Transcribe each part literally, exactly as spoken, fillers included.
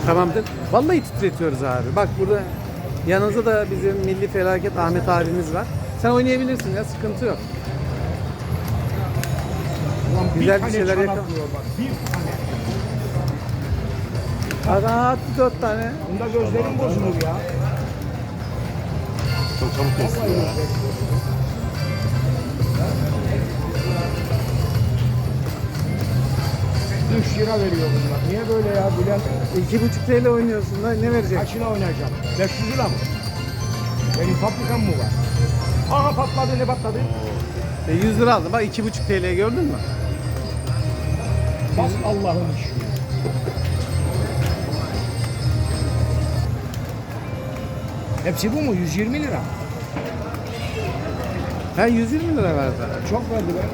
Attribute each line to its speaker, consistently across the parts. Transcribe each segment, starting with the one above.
Speaker 1: Tamamdır. Vallahi titretiyoruz abi. Bak burada yanınızda da bizim milli felaket Ahmet abimiz var. Sen oynayabilirsin ya, sıkıntı yok.
Speaker 2: Ulan
Speaker 1: Güzel bir
Speaker 2: tane
Speaker 1: şeyler
Speaker 2: çanak
Speaker 1: yakal-
Speaker 2: vuruyor bak. Bir tane.
Speaker 1: Adam attı dört tane.
Speaker 2: Bunda gözlerim bozulur ya.
Speaker 3: Çok çabuk kesti
Speaker 2: Vallahi
Speaker 3: ya.
Speaker 2: gözlerim bozulur. üç lira veriyor bunlar. Niye böyle ya Bülent?
Speaker 1: iki buçuk T L oynuyorsun da ne verecek?
Speaker 2: Kaçına oynayacağım? beş yüz lira mı? Benim fabrikam mı var? Aha patladı, ne patladı?
Speaker 1: E, yüz lira aldım. Bak iki buçuk T L gördün mü?
Speaker 2: Bas Allah'ın işi. Hepsi bu mu? yüz yirmi lira.
Speaker 1: Ha yüz yirmi lira verdi.
Speaker 2: Çok verdi be.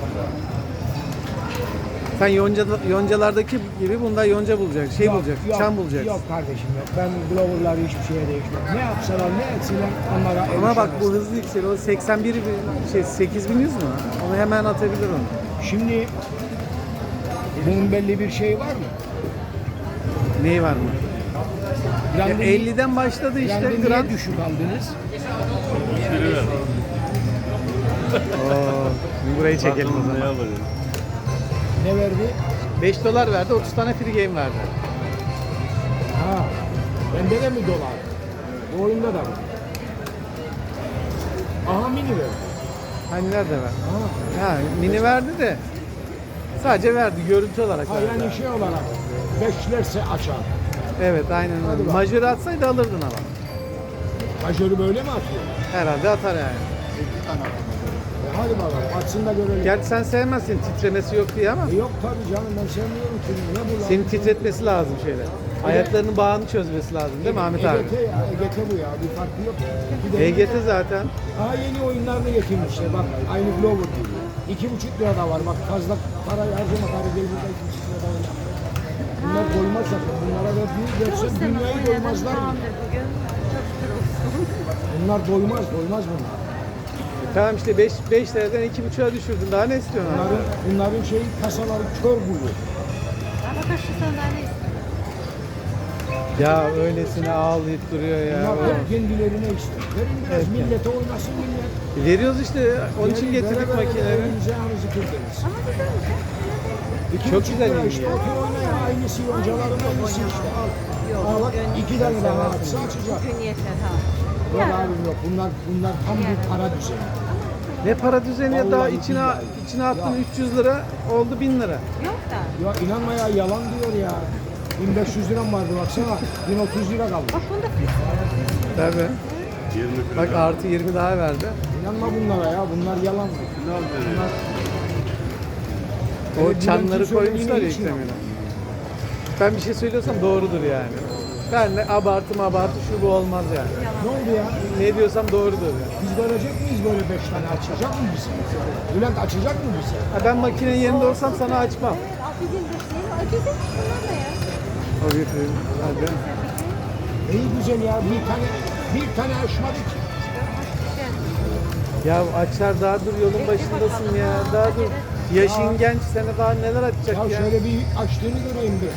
Speaker 1: Sen yonca, yoncalardaki gibi bunda yonca bulacak, şey
Speaker 2: Yok,
Speaker 1: bulacak,
Speaker 2: yok,
Speaker 1: çam bulacak.
Speaker 2: Yok kardeşim yok. Ben blowerları hiçbir şeye değişmem. Ne yapsalar ne etseler onlara
Speaker 1: Ama bak bu
Speaker 2: erişemez.
Speaker 1: hızlı yükseliyor. O seksen bir bin- şey sekiz bin yüz mü? Onu hemen atabilir onu.
Speaker 2: Şimdi bunun belli bir şey var mı?
Speaker 1: Neyi var mı? Ya
Speaker 2: Grandini-
Speaker 1: elliden başladı işte
Speaker 2: Grandini
Speaker 1: Grand.
Speaker 2: niye düşük aldınız?
Speaker 3: Biri ver.
Speaker 1: Oo, burayı çekelim o
Speaker 3: Bakalım ne
Speaker 1: zaman.
Speaker 3: alır.
Speaker 2: Ne verdi?
Speaker 1: beş dolar verdi, otuz tane free game verdi.
Speaker 2: Ha. Bende de mi dolar? Bu oyunda da mı? Aha mini verdi.
Speaker 1: Hani nerede ver?
Speaker 2: Aha.
Speaker 1: Ha, mini verdi de sadece verdi, görüntü olarak
Speaker 2: Ha
Speaker 1: verdi.
Speaker 2: yani şey olarak beşlerse açar.
Speaker 1: Evet, aynen
Speaker 2: Hadi
Speaker 1: öyle.
Speaker 2: bak.
Speaker 1: Majörü atsaydı alırdın ama.
Speaker 2: Majörü böyle mi atıyor?
Speaker 1: Herhalde atar yani.
Speaker 2: E hadi bakalım atsın da görelim.
Speaker 1: Gerçi sen sevmezsin titremesi yok diye ama
Speaker 2: E yok tabii canım ben sevmiyorum ki. Ne bu lan?
Speaker 1: senin titretmesi lazım şeyler. Ayaklarının bağını çözmesi lazım değil mi Ahmet abi?
Speaker 2: E G T ya, E G T bu ya. Bir farkı yok. Bir de
Speaker 1: E G T zaten.
Speaker 2: Aha yeni oyunlarını getirmişler bak. Aynı Glover gibi. İki buçuk lira da var bak. Fazla para harcama para değil. Burada iki buçuk lira da oynar. Bunlar doymaz zaten. Bunlara verdiği verse dünyayı doymazlar mı? Bunlar doymaz, doymaz bunlar.
Speaker 1: E tamam işte beş liradan iki buçuğa düşürdün. Daha ne istiyorsun abi?
Speaker 2: Bunların, bunların şey kasaları kör buluyor.
Speaker 1: Ya öylesine ağlayıp duruyor ya.
Speaker 2: Bunlar hep kendilerine ister. Verin biraz
Speaker 1: Evet,
Speaker 2: millete oynasın millet.
Speaker 1: E veriyoruz işte onun için
Speaker 2: Verin,
Speaker 1: getirdik
Speaker 2: vere vere
Speaker 1: makineleri.
Speaker 2: elinize ağrınızı kırdınız. İki
Speaker 1: Çok
Speaker 2: buçuk
Speaker 1: güzel
Speaker 2: lira
Speaker 1: yenge
Speaker 2: işte
Speaker 1: ya.
Speaker 2: otur oyna ya. Aynısı yoncaların aynısı işte al. Al bak iki tane daha atsa açacak.
Speaker 4: Bugün yeter ha.
Speaker 2: Yok abim yok. Bunlar bunlar tam bir para düzeni.
Speaker 1: Ne para düzeni ya daha
Speaker 2: Vallahi
Speaker 1: içine
Speaker 2: billahi.
Speaker 1: içine attın
Speaker 2: Ya.
Speaker 1: üç yüz lira oldu bin lira.
Speaker 4: Yok da.
Speaker 2: Ya inanma ya yalan diyor ya. bin beş yüz liram vardı baksana. bin otuz lira kaldı.
Speaker 4: Bak bunda fix.
Speaker 1: Tabii.
Speaker 3: yirmi kilo.
Speaker 1: Bak artı yirmi daha verdi.
Speaker 2: İnanma bunlara ya. Bunlar yalan.
Speaker 3: Ne aldı?
Speaker 2: Bunlar
Speaker 1: O
Speaker 2: Evet,
Speaker 1: çanları
Speaker 2: Bülent'in
Speaker 1: koymuşlar ya
Speaker 2: söylediğini hiç
Speaker 1: yüklemine. Ben bir şey söylüyorsam doğrudur yani. Ben de abartım abartı şu bu olmaz yani.
Speaker 2: ne oldu ya?
Speaker 1: Ne diyorsam doğrudur yani.
Speaker 2: Biz verecek miyiz böyle beş tane açacak mı bize? Bülent açacak mı bize?
Speaker 1: Ha, ben makinenin yerinde olsam sana açmam.
Speaker 4: Bizim dışarı acıdı. Bunlar da ya.
Speaker 1: O bir hadi.
Speaker 2: İyi güzel ya. Bir tane bir tane açmadık.
Speaker 1: Ya açar daha dur yolun başındasın ya. Daha dur. Yaşın genç sana daha neler açacak
Speaker 2: Ya
Speaker 1: ya.
Speaker 2: şöyle bir açtığını göreyim bir.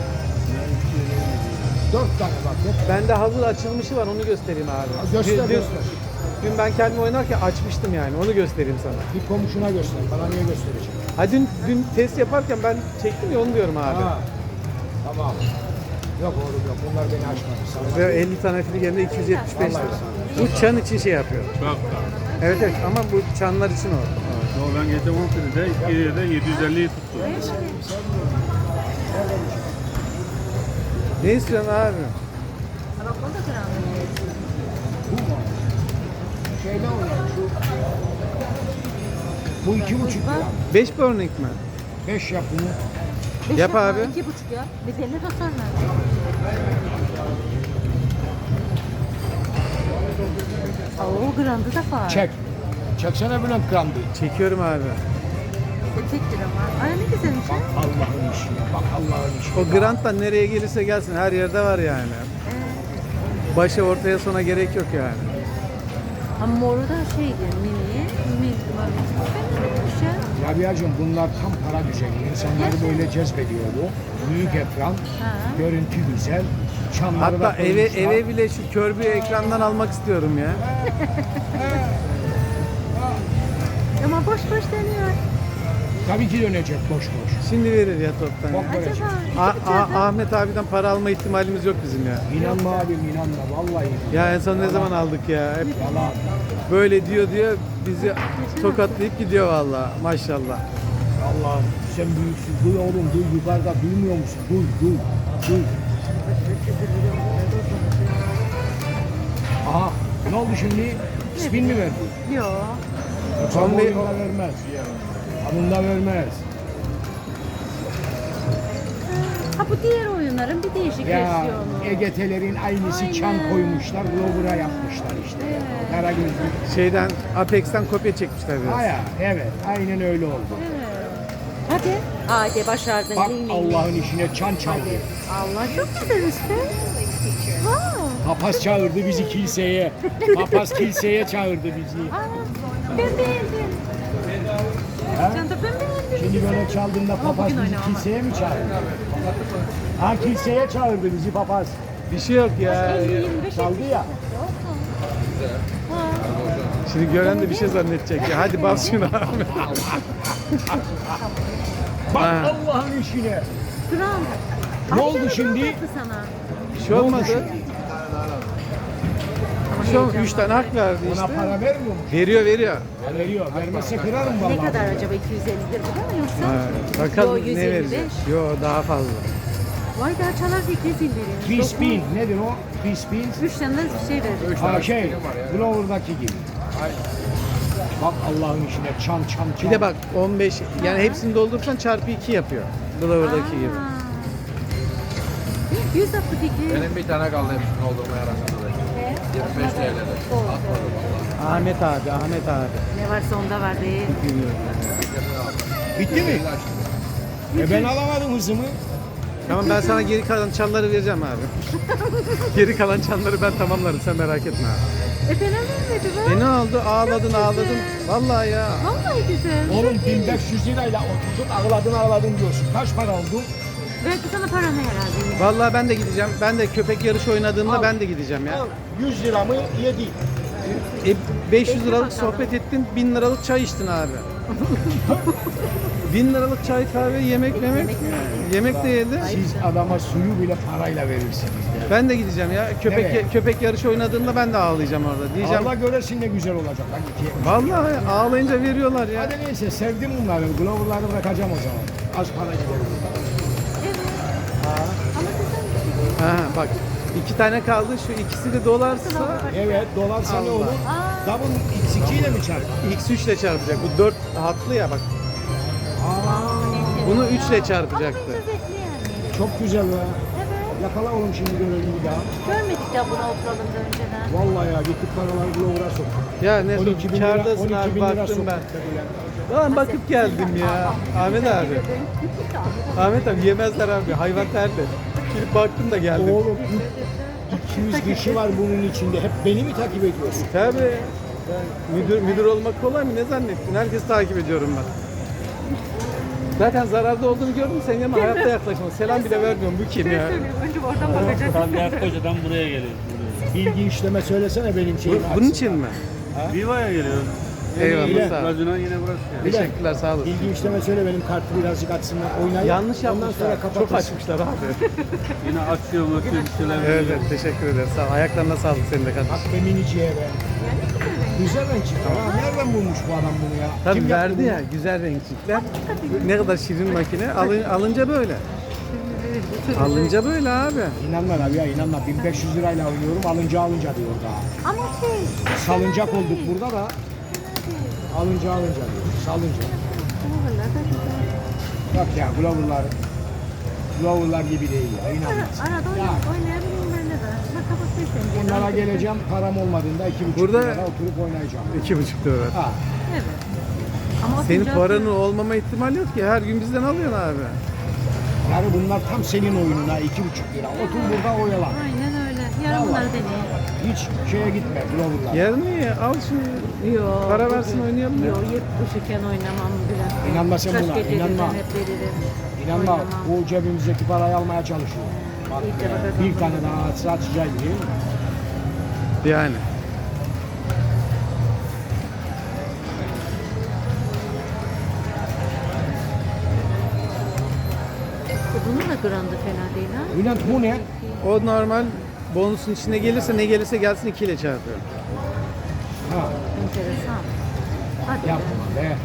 Speaker 2: Dört tane bak. Hep
Speaker 1: Bende hazır açılmışı var onu göstereyim abi.
Speaker 2: göster,
Speaker 1: dün, dün,
Speaker 2: göster.
Speaker 1: dün ben kendim oynarken açmıştım yani onu göstereyim sana.
Speaker 2: bir komşuna göster. Bana niye gösterecek?
Speaker 1: Ha dün, dün test yaparken ben çektim ya onu diyorum abi.
Speaker 2: Ha. Tamam. Yok oğlum yok. Bunlar beni açmadı. Sana
Speaker 1: Ve elli tane filgemde iki yüz yetmiş beş lira.
Speaker 2: Vallahi.
Speaker 1: Bu çan için şey yapıyor.
Speaker 3: Çok da.
Speaker 1: Evet evet ama bu çanlar için o.
Speaker 3: Yo, ben geçen on senede iki de yedi yüz elliyi tuttum.
Speaker 1: Ne istiyorsun abi?
Speaker 4: Ha bak bunda gram.
Speaker 2: bu mu? Şey ne oluyor? Şu bu iki buçuk lira.
Speaker 1: beş burning mi?
Speaker 2: Beş yap bunu.
Speaker 4: Beş
Speaker 1: Yap
Speaker 4: yapma,
Speaker 1: abi.
Speaker 4: İki buçuk ya. Bedelini de sonra. Oo grandı da var.
Speaker 2: Çek. Çeksene Bülent grandı.
Speaker 1: Çekiyorum abi.
Speaker 4: Tek lira var. Ay ne güzelmiş ha.
Speaker 2: Allah'ın işi. Bak Allah'ın işi.
Speaker 1: O Grant'tan nereye gelirse gelsin her yerde var yani.
Speaker 4: Ee,
Speaker 1: Başa ortaya sona gerek yok yani.
Speaker 4: ha moru da şeydi mini. Mini var. ya.
Speaker 2: Rabia'cığım bunlar tam para düzeni. İnsanları böyle cezbediyor bu. Büyük ekran,
Speaker 4: Ha.
Speaker 2: görüntü güzel. Çamları da
Speaker 1: Hatta eve
Speaker 2: koymuşlar.
Speaker 1: eve bile şu kör bir ekrandan almak istiyorum ya.
Speaker 4: Ama boş boş dönüyor.
Speaker 2: Tabii ki dönecek boş boş.
Speaker 1: Şimdi verir ya toptan.
Speaker 2: Bak
Speaker 1: ya.
Speaker 2: böyle.
Speaker 4: Acaba
Speaker 1: A-
Speaker 4: iki
Speaker 1: A-
Speaker 4: bıçağı-
Speaker 1: Ahmet abiden para alma ihtimalimiz yok bizim ya.
Speaker 2: İnanma abim inanma vallahi inanma.
Speaker 1: Ya en son ne zaman aldık ya? Hep
Speaker 2: Yalan.
Speaker 1: böyle diyor diyor bizi tokatlayıp gidiyor vallahi. Maşallah.
Speaker 2: Allah'ım sen büyüksün. Duy oğlum duy yukarıda duymuyor musun? Duy duy. Duy. Aha ne oldu şimdi? Spin mi verdi?
Speaker 4: Yok.
Speaker 2: Son
Speaker 1: on bir-
Speaker 2: oyunda vermez. Anında vermez.
Speaker 4: Ha bu diğer oyunların bir değişik
Speaker 2: Ya
Speaker 4: versiyonu.
Speaker 2: E G T'lerin aynısı
Speaker 4: Aynen.
Speaker 2: çan koymuşlar. Glover'a yapmışlar işte.
Speaker 4: Evet.
Speaker 2: Karagözlü.
Speaker 1: Şeyden Apex'ten kopya çekmişler biraz.
Speaker 2: Aya evet aynen öyle oldu.
Speaker 4: Evet. Hadi. Hadi başardın.
Speaker 2: Bak
Speaker 4: Ding, ding,
Speaker 2: Allah'ın işine çan çaldı.
Speaker 4: Allah çok güzel işte. Wow.
Speaker 2: Papaz çağırdı bizi kiliseye. Papaz kiliseye çağırdı bizi.
Speaker 4: Aa, ben beğendim.
Speaker 2: Ha?
Speaker 4: Can da ben beğendim.
Speaker 2: Şimdi böyle çaldığında papaz
Speaker 4: bugün
Speaker 2: bizi
Speaker 4: oynamam.
Speaker 2: kiliseye mi çağırdı? Ha kiliseye çağırdı bizi papaz.
Speaker 1: Bir şey yok ya.
Speaker 4: elli yirmi beş
Speaker 2: Çaldı ya.
Speaker 1: Şimdi gören de bir şey zannedecek ya. Hadi bas şunu Ahmet.
Speaker 2: Bak
Speaker 1: Ha.
Speaker 2: Allah'ın işine.
Speaker 4: Kral.
Speaker 2: Ne oldu şimdi?
Speaker 4: Sana.
Speaker 1: Bir şey olmadı. Bir şey olmadı. Üç tane hak verdi
Speaker 2: Ona
Speaker 1: işte.
Speaker 2: para vermiyor mu?
Speaker 1: Veriyor veriyor.
Speaker 2: Ha, veriyor. Vermezse kırarım vallahi.
Speaker 4: Ne kadar acaba iki yüz elli lira bu da mı yoksa?
Speaker 1: Ha, bakalım
Speaker 4: Yo, yüz
Speaker 1: ne
Speaker 4: elli
Speaker 1: verecek.
Speaker 4: beş.
Speaker 1: Yo daha fazla.
Speaker 4: Vay daha çalarsa iki yüz elli lira.
Speaker 2: Free spin. Nedir o? Free spin.
Speaker 4: Üç tane de bir şey verir.
Speaker 2: Ha şey, Glover'daki gibi. Bak Allah'ın işine çan çan çan.
Speaker 1: Bir de bak on beş yani hepsini doldurursan çarpı iki yapıyor. Glover'daki gibi.
Speaker 4: yüz altı fikri.
Speaker 5: Benim bir tane kaldı hepsini doldurmaya arasında. yirmi beş T L'de.
Speaker 1: Ahmet abi, Ahmet abi.
Speaker 4: Ne varsa onda var be.
Speaker 2: Bitti mi? E ben alamadım hızımı.
Speaker 1: Tamam ben sana geri kalan çanları vereceğim abi. Geri kalan çanları ben tamamlarım sen merak etme abi.
Speaker 4: E fena vermedi
Speaker 1: E
Speaker 4: be.
Speaker 1: ne oldu? Ağladın ağladın. Vallahi ya.
Speaker 4: Vallahi güzel.
Speaker 2: Oğlum bin beş yüz lirayla oturdun ağladın ağladın diyorsun. Kaç para oldu?
Speaker 4: Belki sana paranı herhalde.
Speaker 1: Vallahi ben de gideceğim. Ben de köpek yarışı oynadığımda
Speaker 2: Al.
Speaker 1: ben de gideceğim ya.
Speaker 2: Al, yüz lira mı? Yedi.
Speaker 1: E, beş yüz liralık
Speaker 4: bakalım.
Speaker 1: sohbet ettin, bin liralık çay içtin abi. bin liralık çay, kahve, yemek, yemek. Yemek de yedi.
Speaker 2: Siz adama suyu bile parayla verirsiniz. Ya.
Speaker 1: Ben de gideceğim ya. Köpek
Speaker 2: Nereye?
Speaker 1: köpek yarışı oynadığında ben de ağlayacağım orada. Diyeceğim.
Speaker 2: Allah göresin ne güzel olacak. Lan iki.
Speaker 1: Vallahi ağlayınca veriyorlar ya.
Speaker 2: Hadi neyse sevdim bunları. Glover'ları bırakacağım o zaman. Az para gider.
Speaker 4: Ama
Speaker 1: Ha, bak iki tane kaldı. Şu ikisi de dolarsa
Speaker 2: Evet dolarsa ne
Speaker 1: Allah.
Speaker 2: olur? Double X iki ile mi çarpar?
Speaker 1: X üç ile çarpacak. Bu dört hatlı ya bak. Bunu üç ile çarpacaktı.
Speaker 4: lezzetli yani.
Speaker 2: Çok güzel be.
Speaker 4: Evet.
Speaker 2: Yakala oğlum şimdi görelim bir daha.
Speaker 4: Görmedik ya bunu oturalımda önceden.
Speaker 2: Vallahi ya gittik paraları Glover'a soktuk.
Speaker 1: Ya ne
Speaker 2: on iki bin lira,
Speaker 1: kârdasın
Speaker 2: on iki
Speaker 1: abi
Speaker 2: bin lira
Speaker 1: baktım ben.
Speaker 2: soktuk dediler.
Speaker 1: Lan bakıp geldim ya. Ahmet abi. Ahmet abi yemezler abi. Hayvan terli. Gidip baktım da geldim.
Speaker 2: Oğlum iki yüz kişi var bunun içinde. Hep beni mi takip ediyorsun?
Speaker 1: Tabii. Müdür, müdür olmak kolay mı? Ne zannettin? Herkes takip ediyorum ben. Zaten zararda olduğunu gördüm senin yanıma hayatta yaklaşma. Selam bile vermiyorum. Bu kim ya?
Speaker 4: Önce oradan bakacağız.
Speaker 3: Standart Koca'dan buraya geliyoruz.
Speaker 2: Bilgi işleme söylesene benim
Speaker 1: Bu,
Speaker 2: şeyimi.
Speaker 1: bunun
Speaker 2: açsın.
Speaker 1: için mi?
Speaker 3: Viva'ya geliyoruz.
Speaker 1: Eyvallah sağ ol.
Speaker 3: Gazino yine burası yani.
Speaker 1: Teşekkürler sağ olasın.
Speaker 2: Bilgi işleme söyle benim kartı birazcık açsınlar. Oynayın.
Speaker 1: Yanlış
Speaker 2: Ondan sonra
Speaker 1: yapmışlar. Çok
Speaker 2: kapatırsın.
Speaker 1: açmışlar abi.
Speaker 3: Yine açıyor bakıyor bir şeyler.
Speaker 1: Evet, evet teşekkür ederim. Sağ ol. Ayaklarına sağlık senin de kardeşim.
Speaker 2: Bak be miniciye be. Güzel renk çıktı. Ha, nereden bulmuş bu adam bunu ya?
Speaker 1: Tabii
Speaker 2: Kim yaptı
Speaker 1: verdi
Speaker 2: bunu?
Speaker 1: ya güzel renkçikler. Ne kadar şirin makine. Alın, alınca böyle. Alınca böyle abi.
Speaker 2: İnanma abi ya inanma. bin beş yüz lirayla oynuyorum alınca alınca diyor daha.
Speaker 4: Ama şey.
Speaker 2: Salıncak olduk burada da. Alınca alınca diyor. Salınca.
Speaker 4: Glover'lar da güzel.
Speaker 2: Bak ya Glover'lar. Glover'lar gibi değil ya inanma.
Speaker 4: Arada
Speaker 2: Ya.
Speaker 4: oynayıp oynayabilirim ben de. Bak kapatırsın.
Speaker 2: Bunlara geleceğim param olmadığında iki buçuk
Speaker 1: Burada-
Speaker 2: lirada oturup oynayacağım.
Speaker 1: İki buçuk lira.
Speaker 2: Ha.
Speaker 4: Evet. Ama
Speaker 1: Senin
Speaker 4: oturacak-
Speaker 1: paranın olmama ihtimali yok ki. Her gün bizden alıyorsun abi.
Speaker 2: Yani bunlar tam senin oyununa iki buçuk lira. Otur burada oyalan.
Speaker 4: Aynen öyle. Yarın bunları deneyeyim.
Speaker 2: Hiç şeye gitme Glover'lar.
Speaker 1: Yarın iyi. Al şunu.
Speaker 4: Yok.
Speaker 1: Para versin oynayalım ya.
Speaker 4: Yok yep bu şeker oynamam bile.
Speaker 2: İnanma sen
Speaker 4: Kaç
Speaker 2: buna,
Speaker 4: gecedir
Speaker 2: inanma.
Speaker 4: ben hep veririm.
Speaker 2: İnanma
Speaker 4: Oynamam.
Speaker 2: bu cebimizdeki parayı almaya çalışıyor. Bak,
Speaker 4: İlk defa kazandım.
Speaker 2: bir tane daha atsa atacağız değil mi?
Speaker 1: Yani.
Speaker 4: E, Bunun da grandı fena değil ha.
Speaker 2: Bülent bu ne?
Speaker 1: O normal bonusun içine gelirse ne gelirse gelsin iki ile çarpıyor.
Speaker 2: Ha,
Speaker 4: Enteresan. Hadi be.
Speaker 2: yapma be.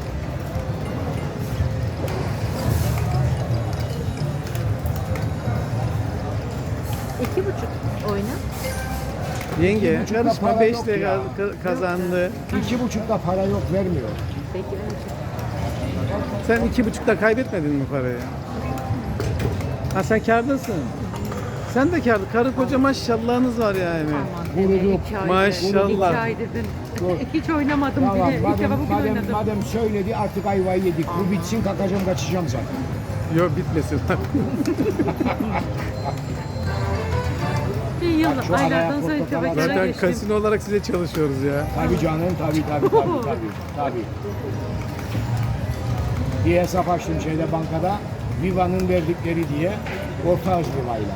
Speaker 4: İki buçuk oyna.
Speaker 1: Yenge
Speaker 2: buçukta
Speaker 1: karışma
Speaker 2: para
Speaker 1: beş
Speaker 2: yok
Speaker 1: ile
Speaker 2: ya.
Speaker 1: ka- kazandı.
Speaker 2: İki buçukta para yok vermiyor.
Speaker 4: Peki ben
Speaker 1: Sen iki buçukta kaybetmedin mi parayı? Ha sen kârdasın. Sen de kârlı. Karı koca maşallahınız var yani.
Speaker 4: Aman
Speaker 2: Vurdu.
Speaker 4: deme, iki aydır.
Speaker 1: Maşallah.
Speaker 4: İki aydır ben
Speaker 2: Dur.
Speaker 4: hiç oynamadım
Speaker 2: Tamam,
Speaker 4: bile. İlk
Speaker 2: madem,
Speaker 4: defa bugün
Speaker 2: madem,
Speaker 4: oynadım.
Speaker 2: madem söyledi artık ayvayı yedik. Bu bitsin kalkacağım kaçacağım zaten.
Speaker 1: Yok bitmesin.
Speaker 4: Bir yıl
Speaker 2: Bak şu araya
Speaker 4: aylardan sonra
Speaker 2: portakal
Speaker 4: tebekere
Speaker 1: Zaten
Speaker 4: geçtim.
Speaker 1: kasino olarak size çalışıyoruz ya.
Speaker 2: Tabii canım tabii tabii tabii tabii. tabii. Bir hesap açtım şeyde bankada. Viva'nın verdikleri diye orta hız Viva'yla.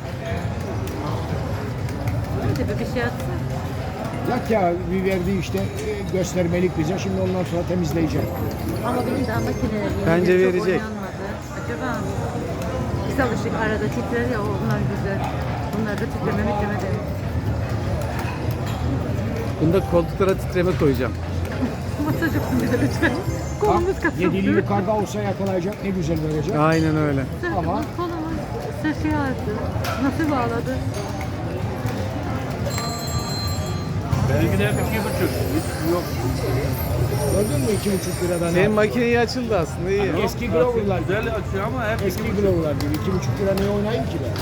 Speaker 4: Hadi be bir şey atsın.
Speaker 2: Yak ya bir verdi işte e, göstermelik bize şimdi ondan sonra temizleyecek.
Speaker 4: Ama benim daha makineler yeni
Speaker 1: Bence
Speaker 4: çok
Speaker 1: verecek.
Speaker 4: oynanmadı. Acaba biz alışık arada titrer ya onlar güzel. Bunlar da titreme mitreme de.
Speaker 1: Bunda koltuklara titreme koyacağım.
Speaker 4: Masaj yapın bize lütfen. Kolumuz
Speaker 2: Bak,
Speaker 4: kasıldı.
Speaker 2: yedili yukarıda olsa yakalayacak ne güzel verecek.
Speaker 1: Aynen öyle.
Speaker 2: Ama-
Speaker 4: Kolumuz sesi aldı. Nasıl bağladı?
Speaker 3: Benimki de hep iki buçuk. Hiç yok.
Speaker 2: Gördün mü iki buçuk liradan?
Speaker 1: Senin makine iyi açıldı aslında iyi.
Speaker 2: Eski Glover'lar gibi.
Speaker 3: Güzel açıyor ama hep
Speaker 2: Eski Glover'lar gibi. iki buçuk lira ne oynayayım ki ben?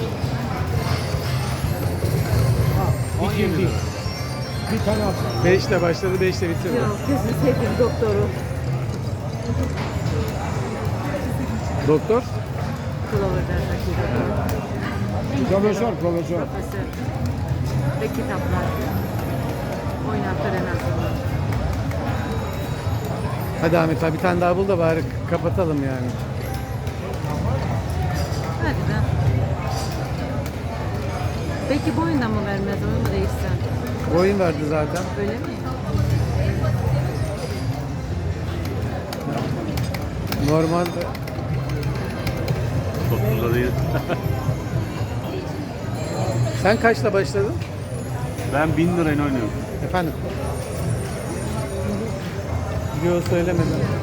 Speaker 2: Ha, bitirdi. Bir tane at.
Speaker 1: beş ile başladı beş ile bitirdi.
Speaker 4: Yok gözünü sevdim doktoru.
Speaker 1: Doktor?
Speaker 4: Clover'daki doktor.
Speaker 2: Profesör, profesör.
Speaker 4: Profesör. Ve kitaplar. Oynatır en azından.
Speaker 1: Hadi Ahmet abi bir tane daha bul da bari kapatalım yani.
Speaker 4: Hadi be. Peki bu oyundan mı vermez onu mu değişsen?
Speaker 1: Oyun verdi zaten.
Speaker 4: Öyle mi?
Speaker 1: Normalde
Speaker 3: Topluda değil.
Speaker 1: sen kaçla başladın?
Speaker 3: Ben bin lirayla oynuyorum.
Speaker 1: Efendim? Yok söylemedim.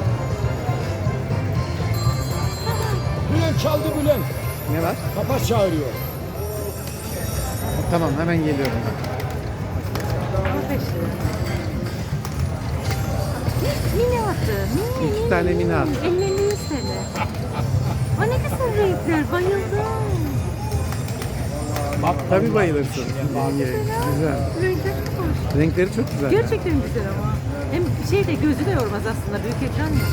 Speaker 2: Bülent çaldı Bülent.
Speaker 1: Ne var?
Speaker 2: Papaz çağırıyor.
Speaker 1: Tamam hemen geliyorum.
Speaker 4: Ama beş lira. Mini attı. Mini,
Speaker 1: İki
Speaker 4: mini,
Speaker 1: tane mini attı.
Speaker 4: elli elli yüz T L. O ne güzel renkler. Bayıldım.
Speaker 2: Bak
Speaker 1: Tabii bayılırsın. Yenge, güzel.
Speaker 4: Renkler çok hoş.
Speaker 1: Renkleri çok güzel.
Speaker 4: Gerçekten güzel ama. Hem şey de gözü de yormaz aslında. Büyük ekran ya.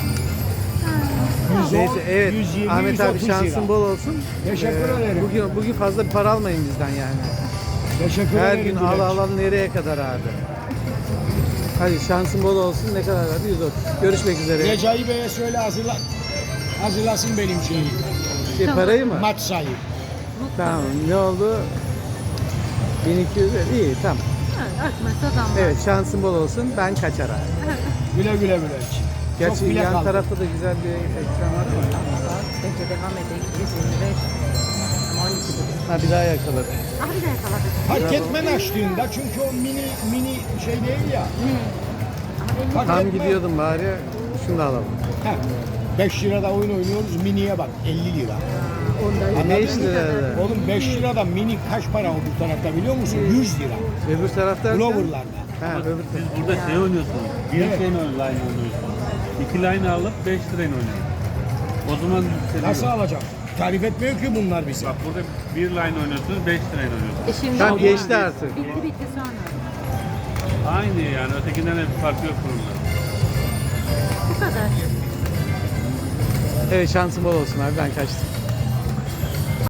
Speaker 4: Ha,
Speaker 2: yüz on,
Speaker 1: Neyse evet
Speaker 2: yüz yirmi,
Speaker 1: Ahmet
Speaker 2: yüz
Speaker 1: abi
Speaker 2: otuz
Speaker 1: şansın
Speaker 2: lira.
Speaker 1: bol olsun.
Speaker 2: Teşekkür
Speaker 1: Ee,
Speaker 2: ederim.
Speaker 1: Bugün bugün fazla bir para almayın bizden yani.
Speaker 2: Teşekkür
Speaker 1: Her
Speaker 2: ederim
Speaker 1: gün
Speaker 2: Bülent.
Speaker 1: al al al nereye kadar abi. Hadi şansın bol olsun ne kadar verdi? yüz otuz. Görüşmek üzere.
Speaker 2: Recai Bey'e söyle hazırla, hazırlasın benim şeyi.
Speaker 1: Şey, parayı mı?
Speaker 2: Maç sayı.
Speaker 1: Tamam. Ne oldu? bin iki yüz iyi tamam.
Speaker 4: ha, Akmasa damla.
Speaker 1: Evet şansın bol olsun. Ben kaçar abi.
Speaker 2: Güle güle Bülent.
Speaker 1: Gerçi
Speaker 2: Çok bile
Speaker 1: yan
Speaker 2: kaldı.
Speaker 1: tarafta da güzel bir ekran var ama.
Speaker 4: Bence devam edelim. yüz yirmi beş. Ama on iki buçuk.
Speaker 1: Ha bir daha yakaladım.
Speaker 4: Ah bir de yakaladık.
Speaker 2: Fark etmen açtığında çünkü o mini mini şey değil ya.
Speaker 4: Ne? Ama elli
Speaker 2: Fark
Speaker 1: Tam
Speaker 2: etme.
Speaker 1: gidiyordum bari. Şunu da alalım.
Speaker 2: Heh, beş lirada oyun oynuyoruz miniye bak elli lira.
Speaker 4: onda
Speaker 1: beş
Speaker 2: Anladın mı?
Speaker 1: lira.
Speaker 2: Oğlum beş lirada mini kaç para o bu tarafta biliyor musun? yüz lira.
Speaker 1: Öbür tarafta.
Speaker 2: Glover'larda.
Speaker 1: Ha öbür
Speaker 3: Siz
Speaker 1: tarafta.
Speaker 3: burada şey oynuyorsunuz. Bir
Speaker 2: Evet.
Speaker 3: şeyin line oynuyorsunuz. İki line alıp beş lirayla oynuyorsunuz. O zaman yükseliyor.
Speaker 2: Nasıl alacağım? Tarif etmiyor ki bunlar bize.
Speaker 3: Bak burada bir line oynuyorsunuz, beş lirayla oynuyorsunuz.
Speaker 4: E şimdi
Speaker 1: Tamam
Speaker 4: oldu.
Speaker 1: geçti artık.
Speaker 4: Bitti bitti sonra.
Speaker 3: Aynı yani ötekinden de bir fark yok bunun.
Speaker 4: Bu kadar.
Speaker 1: Evet şansın bol olsun abi ben kaçtım.